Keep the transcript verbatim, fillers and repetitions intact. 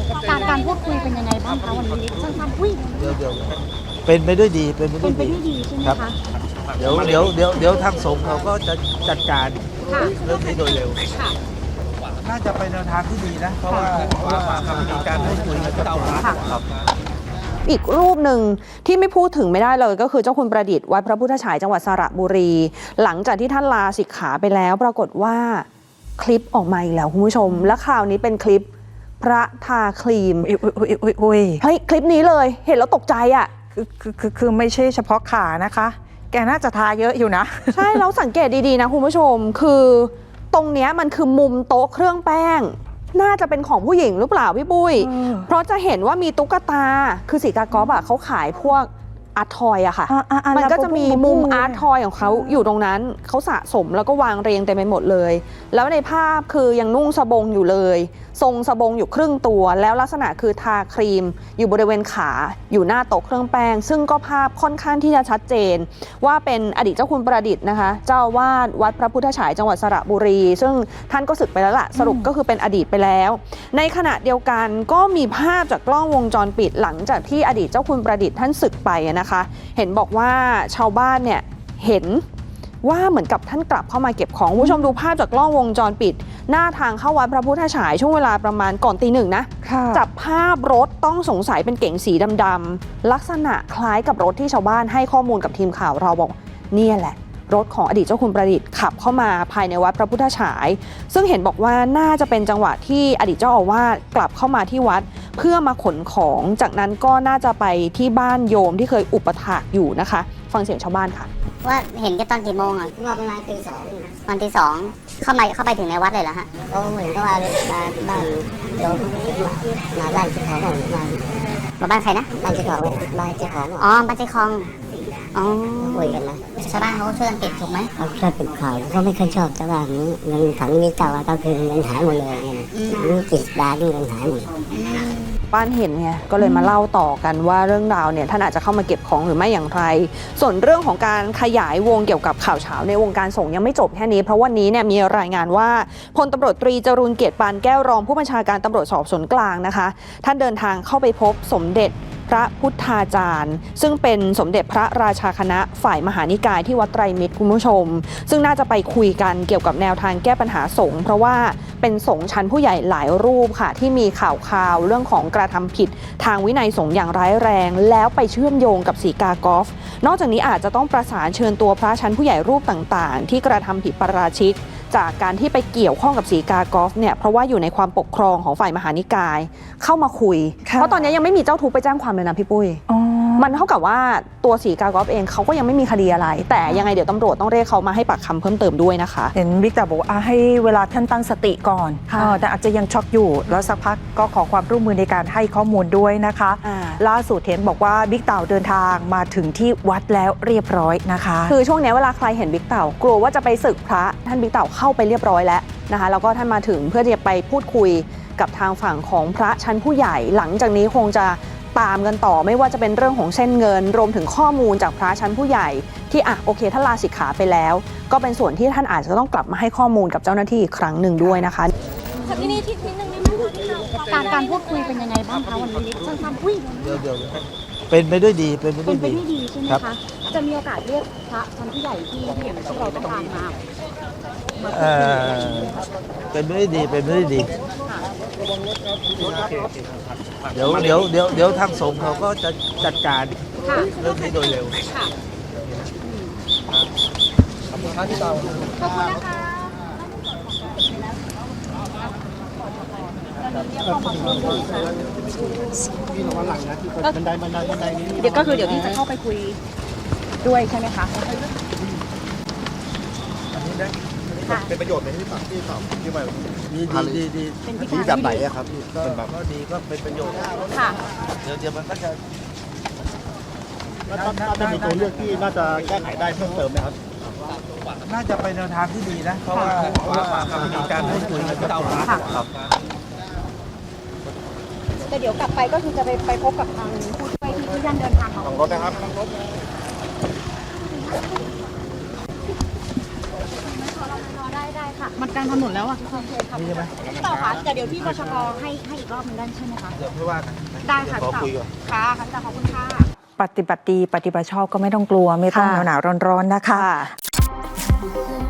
การการพูดคุยเป็นยังไงบ้างคะวันนี้สั้นๆอุ้ยเดี๋ยวเดี๋ยวเป็นไปด้วยดีเป็นไปด้เป็วน ยไปดีด้วยดีใช่ไหมครับคะเดี๋ยวเดี๋ยวเดี๋ยวเดี๋ยวทางสงฆ์เขาก็จะจัดการค่ะเรื่องนี้โดยเร็วค่ะน่าจะไปแนวทางที่ดีนะเพราะว่าเพราะว่ามีการพูดคุยกันต่อครับอีกรูปหนึ่งที่ไม่พูดถึงไม่ได้เลยก็คือเจ้าคุณประดิษฐ์วัดพระพุทธฉายจังหวัดสระบุรี หลังจากที่ท่านลาสิกขาไปแล้วปรากฏว่าคลิปออกมาอีกแล้วคุณผู้ชม และข่าวนี้เป็นคลิปพระทาครีมอุ้ยอุ้ยอุ้ยอุ้ยเฮ้ยคลิปนี้เลยเห็นแล้วตกใจอ่ะคือคือคือคือไม่ใช่เฉพาะขานะคะ แกน่าจะทาเยอะอยู่นะใช่แล้วสังเกตดีๆนะคุณผู้ชมคือตรงเนี้ยมันคือมุมโต๊ะเครื่องแป้งน่าจะเป็นของผู้หญิงหรือเปล่าพี่ปุ้ยเออเพราะจะเห็นว่ามีตุ๊กตาคือสีกากอฟอะเขาขายพวกอาร์ตทอยอะค่ะอ่ะอ่ะอ่ะมันก็จะมีมุมอาร์ตทอยอยของเขาอยู่ตรงนั้นเขาสะสมแล้วก็วางเรียงเต็มไปหมดเลย แล้วในภาพคือยังนุ่งสบงอยู่เลย ทรงสบงอยู่ครึ่งตัว แล้วลักษณะคือทาครีม อยู่บริเวณขาอยู่หน้าโต๊ะเครื่องแป้ง ซึ่งก็ภาพค่อนข้างที่จะชัดเจน ว่าเป็นอดีตเจ้าคุณประดิษฐ์นะคะเจ้าอาวาสวัดพระพุทธฉายจังหวัดสระบุรี ซึ่งท่านก็สึกไปแล้วล่ะสรุปก็คือเป็นอดีตไปแล้ว ในขณะเดียวกันก็มีภาพจากกล้องวงจรปิดหลังจากที่อดีตเจ้าคุณประดิษฐ์ท่านสึกไปนะคะ เห็นบอกว่าชาวบ้านเนี่ยเห็นว่าเหมือนกับท่านกลับเข้ามาเก็บของผู้ชมดูภาพจากกล้องวงจรปิด หน้าทางเข้าวัดพระพุทธฉายช่วงเวลาประมาณก่อนตีหนึ่งนะค่ะจับภาพรถต้องสงสัยเป็นเก๋งสีดำๆลักษณะคล้ายกับรถที่ชาวบ้านให้ข้อมูลกับทีมข่าวเราบอกเนี่ยแหละรถของอดีตเจ้าคุณประดิษฐ์ขับเข้ามาภายในวัดพระพุทธฉาย ซึ่งเห็นบอกว่าน่าจะเป็นจังหวะที่อดีตเจ้าอาวาสกลับเข้ามาที่วัดเพื่อมาขนของจากนั้นก็น่าจะไปที่บ้านโยมที่เคยอุปถากอยู่นะคะฟังเสียงชาวบ้านค่ะว่าเห็นกันตอนกี่โมงอ่ะว่าประมาณตีสองตอนตีสองเข้ามาเข้าไปถึงในวัดเลยเหรอฮะก็เหมือนกับว่ามาบ้านโยมมาบ้านเจ้าของมามาบ้านใครนะบ้านเจ้าของบ้านเจ้าของอ๋อบ้านเจ้าของอ๋อคุยกันนะชาวบ้านเขาช่วยกันเก็บถูกไหมเขาช่วยเก็บข่าวเขาไม่เคยชอบชาวบ้านนี้เงินถังนี้เจ้าก็คือเงินหายหมดเลยเงินนี่ติดดาด้วยเงินหายหมดบ้านเห็นไงก็เลยมาเล่าต่อกันว่าเรื่องราวเนี่ยท่านอาจจะเข้ามาเก็บของหรือไม่อย่างไรส่วนเรื่องของการขยายวงเกี่ยวกับข่าวเช้าในวงการสงฆ์ยังไม่จบแค่นี้เพราะวันนี้เนี่ยมีรายงานว่าพลตำรวจตรีจรูญเกียรติปานแก้วรองผู้บัญชาการตำรวจสอบสวนกลางนะคะท่านเดินทางเข้าไปพบสมเด็จพระพุทธาจารย์ซึ่งเป็นสมเด็จพระราชาคณะฝ่ายมหานิกายที่วัดไตรมิตรคุณผู้ชมซึ่งน่าจะไปคุยกันเกี่ยวกับแนวทางแก้ปัญหาสงฆ์เพราะว่าเป็นสงฆ์ชั้นผู้ใหญ่หลายรูปค่ะที่มีข่าวคราวเรื่องของกระทำผิดทางวินัยสงฆ์อย่างร้ายแรงแล้วไปเชื่อมโยงกับสีกากอล์ฟนอกจากนี้อาจจะต้องประสานเชิญตัวพระชั้นผู้ใหญ่รูปต่างๆที่กระทำผิดปาราชิกจากการที่ไปเกี่ยวข้องกับสีกากอล์ฟเนี่ยเพราะว่าอยู่ในความปกครองของฝ่ายมหานิกายเข้ามาคุยเพราะตอนนี้ยังไม่มีเจ้าทุกข์ไปแจ้งความเลยนะพี่ปุ้ยมันเท่ากับว่าตัวสีกากอล์ฟเองเขาก็ยังไม่มีคดีอะไรแต่ยังไงเดี๋ยวตำรวจต้องเรียกเขามาให้ปากคำเพิ่มเติมด้วยนะคะเห็นบิ๊กแต่บอกว่าให้เวลาท่านตั้งสติก่อนแต่อาจจะยังช็อกอยู่แล้วสักพักก็ขอความร่วมมือในการให้ข้อมูลด้วยนะคะล่าสุดเห็นบอกว่าบิ๊กเต่าเดินทางมาถึงที่วัดแล้วเรียบร้อยนะคะคือช่วงนี้เวลาใครเห็นบิ๊กเต่ากลัวว่าจะไปสึกพระท่านบิ๊กเต่าเข้าไปเรียบร้อยแล้วนะคะแล้วก็ท่านมาถึงเพื่อจะไปพูดคุยกับทางฝั่งของพระชั้นผู้ใหญ่หลังจากนี้คงจะตามกันต่อไม่ว่าจะเป็นเรื่องของเส้นเงินรวมถึงข้อมูลจากพระชั้นผู้ใหญ่ที่อ่ะโอเคท่านลาสิกขาไปแล้วก็เป็นส่วนที่ท่านอาจจะต้องกลับมาให้ข้อมูลกับเจ้าหน้าที่อีกครั้งหนึ่งด้วยนะคะค่ะที่นี่ที่นิดนึงนิดนึงการการพูดคุยเป็นยังไงบ้างคะวันนี้สั้นๆอุ้ยเดี๋ยวเดี๋ยวเป็นไปด้วยดีเป็นไปด้เป็วยนไปดีด้วยดีใช่ไหมคะจะมีโอกาสเรียกพระชั้นผู้ใหญ่ที่ที่อย่างที่เราต้องการมาเอ่อเป็นไปด้วยดีเป็นไปด้วยดีเดี๋ยวเดี๋ยวเดี๋ยวเดี๋ยวทางสงฆ์เขาก็จะจัดการเรื่องนี้โดยเร็วขอบคุณครับพี่เตาขอบคุณนะคะพี่ระวังหลังนะที่บันไดบันไดบันไดนี้เดี๋ยวก็คือเดี๋ยวพี่จะเข้าไปคุยด้วยใช่ไหมคะเป็นประโยชน์ไหมที่ฝากพี่ตอบที่ไปดีดีดีดีดีแบบไหนอะครับพี่ก็ก็ดีก็เป็นประโยชน์ค่ะเดี๋ยวเดี๋ยวมันก็จะน่าจะมีตัวเลือกที่น่าจะแก้ไขได้เพิ่มเติมไหมครับน่าจะไปแนวทางที่ดีนะเพราะว่าเพราะว่ามีการพูดคุยกันต่อครับแต่เดี๋ยวกลับไปก็คือจะไปไปพบกับทางผู้ช่วยที่ท่านเดินทางมาทางรถนะครับทางรถรอได้ได้ค่ะ มันกลางถนนแล้วอ่ะนี่ใช่ไหมพี่เต่าคะแต่เดี๋ยวพี่บชกให้ให้อีกรอบหนึงได้ใช่ไหมคะเดี๋ยวค่อยว่ากันได้ค่ะเดี๋ยวขอพี่เต่าคุยก่อนค่ะค่ะพี่เต่าขอบคุณค่ะปฏิบัติดีปฏิบัติชอบก็ไม่ต้องกลัวไม่ต้องค่ะหนาวๆร้อนๆนะคะค่ะ